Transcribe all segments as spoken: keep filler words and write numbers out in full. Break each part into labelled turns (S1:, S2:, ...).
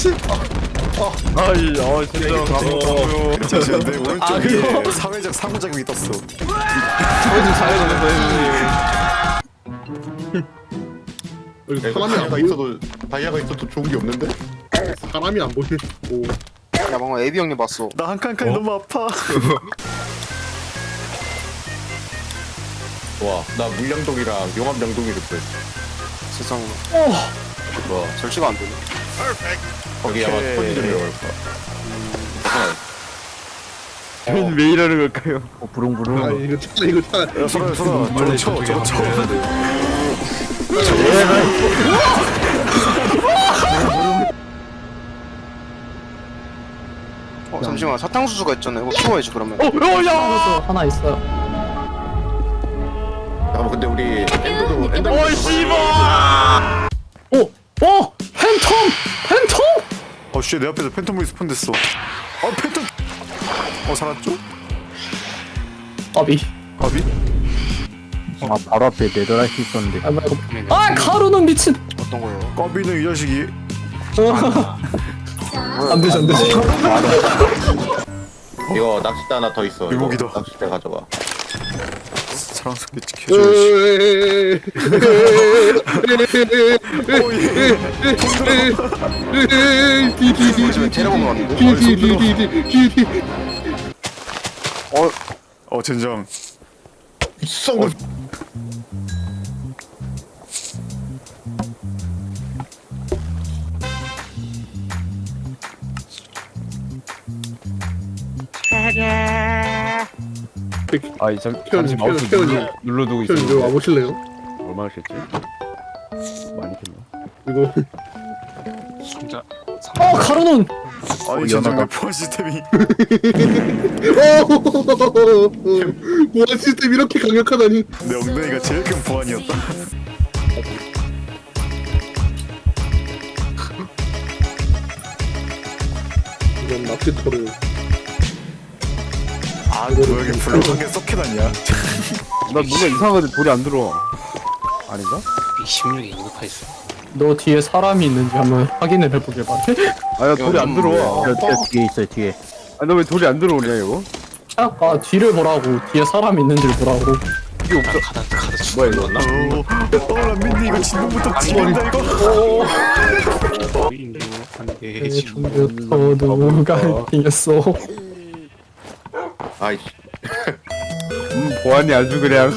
S1: 씨.
S2: 아이 어 진짜 감사해요.
S1: 잠시만 내 오른쪽
S3: 아,
S1: 위에
S3: 그거?
S1: 사회적 상호작용이 떴어.
S2: 저좀 잘해주는 거예요.
S3: 사람이 안
S1: 다이아가
S3: 보여.
S1: 있어도 다이아가 있어도 좋은 게 없는데?
S3: 사람이 안 보여. 오.
S4: 야 방금 에비 형님 봤어.
S1: 나 한 칸칸 너무 아파. 와, 나 물량동이랑 용암량동이를 구했어.
S4: 세상에.
S1: 뭐
S4: 절시가 안 되네.
S1: 거기 아마 손이 좀 들어갈 거야.
S2: 저희는 왜 이러는 걸까요?
S5: 어, 부릉부릉.
S3: 아 이거 차 이거 차.
S1: 야, 소라, 소라, 저거 쳐, 저거 쳐.
S4: 어 잠시만 사탕수수가 있잖아. 이거 키워야지 그러면.
S2: 어야!
S5: 하나 있어요.
S1: 잠깐만, 근데 우리 엔더도 엔더.
S2: 어이 씨발!
S5: 오! 오! 팬텀! 팬텀!
S1: 어, 씨, 내 앞에서 팬텀이 스폰됐어. 어, 팬텀. 어, 살았죠?
S5: 아비.
S1: 가비?
S5: 아, 바로 앞에 네더라이트 있었는데. 아, 말고.
S4: 네.
S5: 아, 가루는 미친!
S4: 어떤 거요?
S1: 까비는 이 자식이.
S5: 안 되지, 안 되지.
S6: 이거 낚싯대 하나 더 있어. 이거
S1: 유목이다.
S6: 낚싯대 가져가.
S1: 사랑스럽게 지켜줘야지.
S4: 지금 데려온 거 같은데?
S3: 디디디디디디.
S1: 어, 어, 젠장. 썩.
S2: 아이 잠
S3: 태연이,
S2: 잠시 마우스
S3: 태연이,
S2: 눌러, 눌러두고
S3: 형 이거
S2: 있었는데
S3: 와보실래요?
S2: 얼마나 겠지? 많이 겠나?
S3: 이거
S5: 어, 가루는!
S1: 아니, 젠장 내 포화 시스템이.
S3: 보안 시스템 이렇게 강력하다니.
S1: 내 엉덩이가 제일 큰 보안이었다.
S3: 이건 낚시터를.
S1: 아, 너 여기 불로 한개 썩해놨냐?
S2: 나 뭔가 이상한데 돌이 안 들어와. 아닌가?
S4: 이십육에 인구파 있어.
S5: 너 뒤에 사람이 있는지 한번 확인을 해보길 바래.
S2: 아야 돌이 안 들어와.
S5: 저, 저 뒤에 있어요, 뒤에.
S2: 아너 왜 돌이 안 들어오냐 이거?
S5: 아까 뒤를 보라고, 뒤에 사람이 있는지를 보라고.
S2: 이게 없어. 뭐야 이거?
S1: 어, 어, 람민니 이거 진동부터 지린다 이거.
S5: 내 중부터 누가 이겼어.
S6: 아이씨.
S2: 음 보안이 아주 그냥.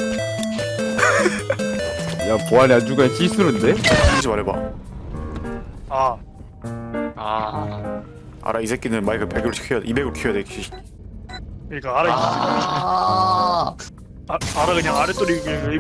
S2: 야 보안이 아주 그냥 시스루인데?
S1: 하지 말해봐.
S7: 아. 아.
S1: 알아, 이 새끼는 마이크 백으로 키워야 돼. 이백으로 키워야 돼.
S7: 그러니까 알아. 아. 아, 알아 그냥 아랫돌이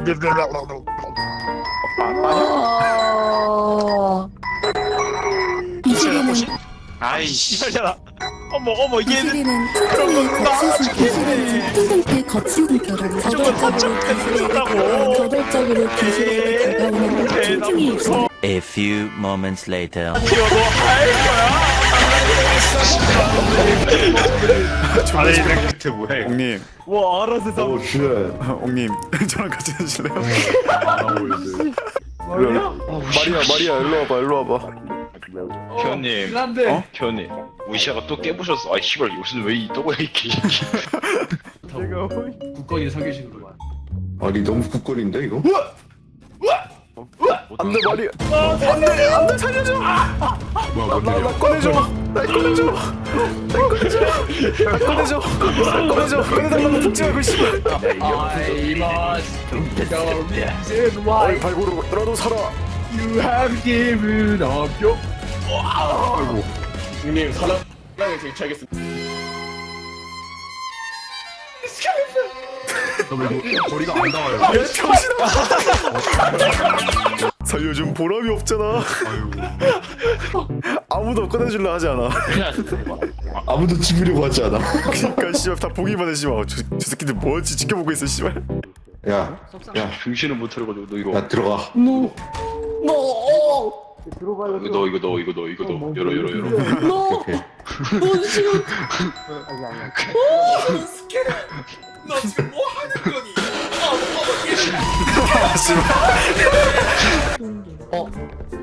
S8: 이 시대는
S7: 아이씨. 야. 어머 어머
S8: 이
S7: 얘는
S8: 시대는 특정의 거치수 기술을 통상태 거치는 결혼 저돌적으로 기술에게 다가오는 저돌적으로 기술에게 다가오는 틈틈이 없어.
S9: A few moments later.
S7: 아래 이렇게 뭐야 이거.
S1: 옹님,
S2: 와 알아 세상.
S1: 옹님, 저랑 같이 하실래요? 마리아, 마리아, 일로 와봐, 일로 와봐.
S7: 현님.
S1: 어?
S7: 현님. 무시아가 또 깨부셨어. 아이 씨발 요새는 왜 이 또가 이렇게.
S3: 국거리 사기식으로.
S6: 아니 너무 국거리인데 이거?
S1: 안돼 마리아. 안돼, 안돼 살려줘. 나, 나, 나 꺼내줘. 날 꺼내줘. 날 꺼내줘. 날 꺼내줘. 날 꺼내줘. 꺼내달라고 복제하고 씨발. 어이 발고로 너라도 살아.
S2: You have given up your.
S3: 형님 사랑 사랑에 제치하겠습니다. 거리가 안 닿아요.
S1: 야 병신아. 살려준 보람이 없잖아. 아무도 꺼내줄라 하지 않아.
S6: 아무도 죽이려고 하지 않아.
S1: 그니까 씨발 다 보기만 해 씨발. 저, 저 새끼들 뭐지 지켜보고 있어 씨발.
S6: 야, 야,
S7: 정신을 못 차려가지고 너 이거.
S6: 야 들어가.
S5: 노! 노!
S7: 이거 너 이거 너 이거 너 이거 너 열어 열어 열어.
S5: 노!
S6: 오케이.
S5: 노!
S3: 너 지금 뭐 하는 거니?
S5: 어?